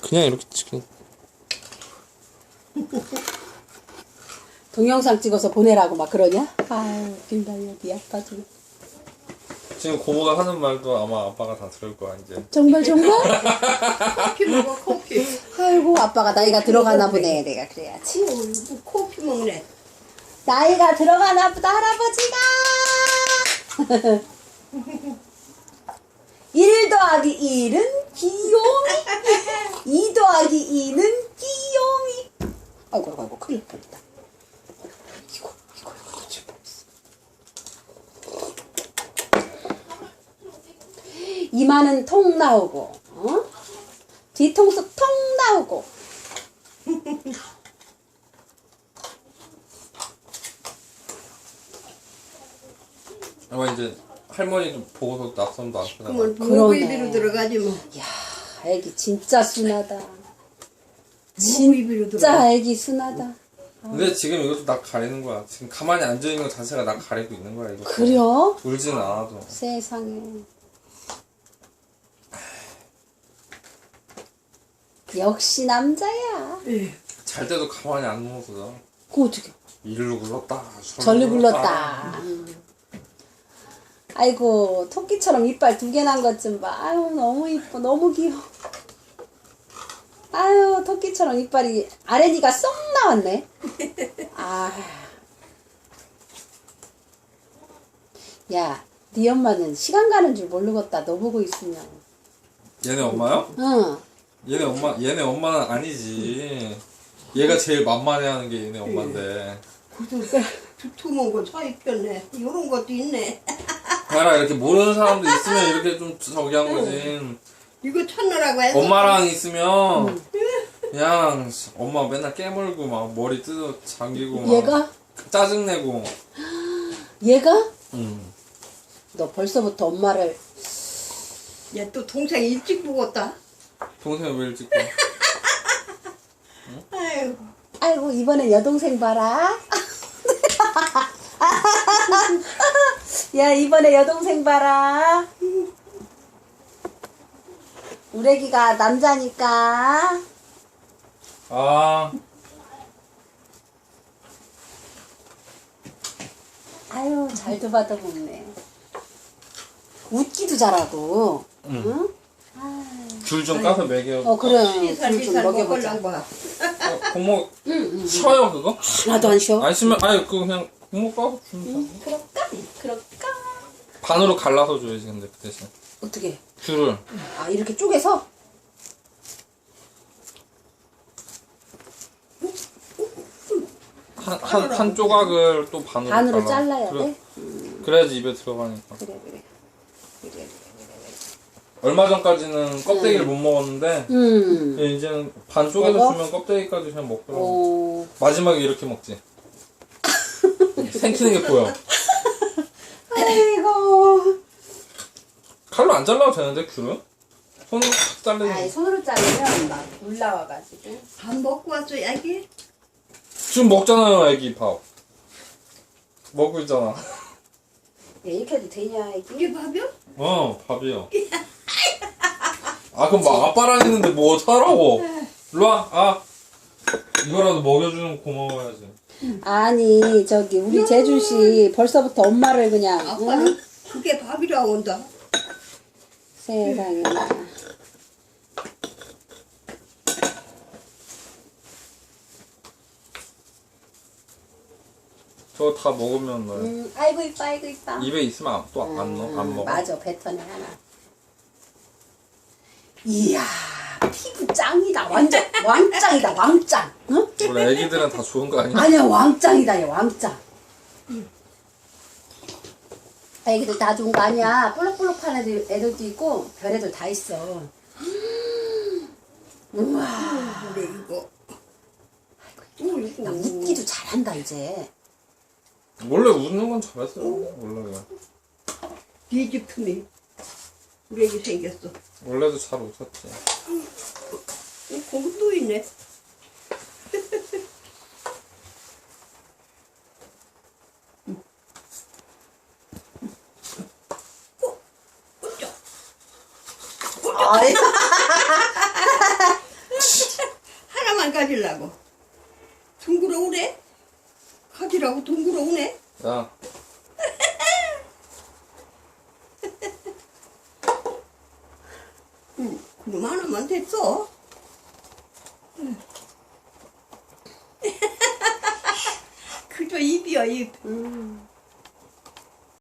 그냥 이렇게 찍. 동영상 찍어서 보내라고 막 그러냐? 아유, 빈다 여기 아빠 좀. 지금 고모가 하는 말도 아마 아빠가 다 들을 거야 이제. 정말? 커피 먹어, 커피. 아이고 아빠가 나이가 들어가나 보네. 내가 그래야지. 뭐 커피 먹네. 나이가 들어가나 보다 할아버지가. 1 더하기 1은 귀요미. 2 더하기 2는 귀요미. 아이고 큰일 날 뻔했다. 이거 이마는 통 나오고, 어? 뒤통수 통 나오고. 아마 이제 할머니도 보고서 낯선도 안 쓰나. 그러면 그러네. 모비비로 들어가지 뭐. 야, 애기 진짜 순하다. 모비비로 들어가. 진짜 애기 순하다. 근데 지금 이것도 나 가리는 거야. 지금 가만히 앉아 있는 것 자체가 나 가리고 있는 거야 이거. 그래요? 울지는 않아도. 세상에. 역시 남자야. 예. 잘 때도 가만히 안 누워서 자. 그거 어떻게? 일로 굴렀다. 절로 굴렀다. 아이고 토끼처럼 이빨 2개 난 것 좀 봐. 아유 너무 이뻐, 너무 귀여워. 아유 토끼처럼 이빨이 아래니가 쏙 나왔네. 아, 야, 네 엄마는 시간 가는 줄 모르겠다. 너 보고 있으면. 얘네 엄마요? 응. 얘네 엄마는 아니지. 얘가 제일 만만해하는 게 얘네 엄마인데. 그래도 두툼한 거 사입혔네. 이런 것도 있네. 봐라 이렇게 모르는 사람도 있으면 이렇게 좀 저기 한 거지. 이거 찾느라고 했어. 엄마랑 있으면 그냥 엄마 맨날 깨물고 막 머리 뜯어 잠기고 막 얘가? 짜증내고. 얘가? 응. 너 벌써부터 엄마를. 얘 또 동생 일찍 죽었다. 동생이 왜 일찍 봐? 아유. 아이고 이번엔 여동생 봐라. 야 이번에 여동생 봐라. 우리 애기가 남자니까. 아 아유 잘도 봐도 먹네. 웃기도 잘하고. 응? 귤 좀 까서 먹여. 그래. 시살 좀 시살 먹여보자. 먹으려고. 고모 쉬어요 그거? 하나도 안 쉬어. 안 쉬면 아니 그거 그냥 고모 까서 주면 돼. 그럴까? 반으로 갈라서 줘야지 근데 그 대신 어떻게? 귤을. 아 이렇게 쪼개서? 한 조각을 또 반으로 반으로 갈라. 잘라야 그래, 돼? 그래야지 입에 들어가니까. 그래. 얼마 전까지는 껍데기를 못 먹었는데 이제는 반 쪼개서 먹어? 주면 껍데기까지 그냥 먹더라고. 오. 마지막에 이렇게 먹지. 생기는 게 보여. 아이고. 칼로 안 잘라도 되는데 귤은? 손으로 탁 자르는. 아이 손으로 자르면 막 올라와가지고. 밥 먹고 왔어, 야기? 지금 먹잖아요 애기 밥. 먹고 있잖아. 야, 이렇게 해도 되냐 이게? 이게 밥이야? 밥이요. 아 그럼 막 아빠랑 있는데 뭐 어떡하라고. 일로와. 아 이거라도 먹여주는 고마워야지. 아니 저기 우리 재준씨 벌써부터 엄마를 그냥. 아빠는 응? 그게 밥이라고 한다. 세상에. 저거 다 먹으면 너 아이고 이뻐. 입에 있으면 또 안 먹어. 맞아 뱉어내 하나. 이야 피부 짱이다. 완전 왕짱이다 왕짱. 응? 원래 애기들은 다 좋은 거 아니야? 아니야 왕짱이다 얘 왕짱. 애기들 다 좋은 거 아니야. 볼록볼록한 애들도 있고 별애들 다 있어. 우와. 그래, 이거. 나 웃기도 잘한다 이제. 원래 웃는 건 잘했어요. 원래 뒤집품이. 우리 애기 생겼어. 원래도 잘 웃었지. 거기 또 있네. 아이. 가지려고. 둥그러 오래? 가지라고 둥그러 오네? 야, 그럼 하나만 됐어. 그저 입이야, 입.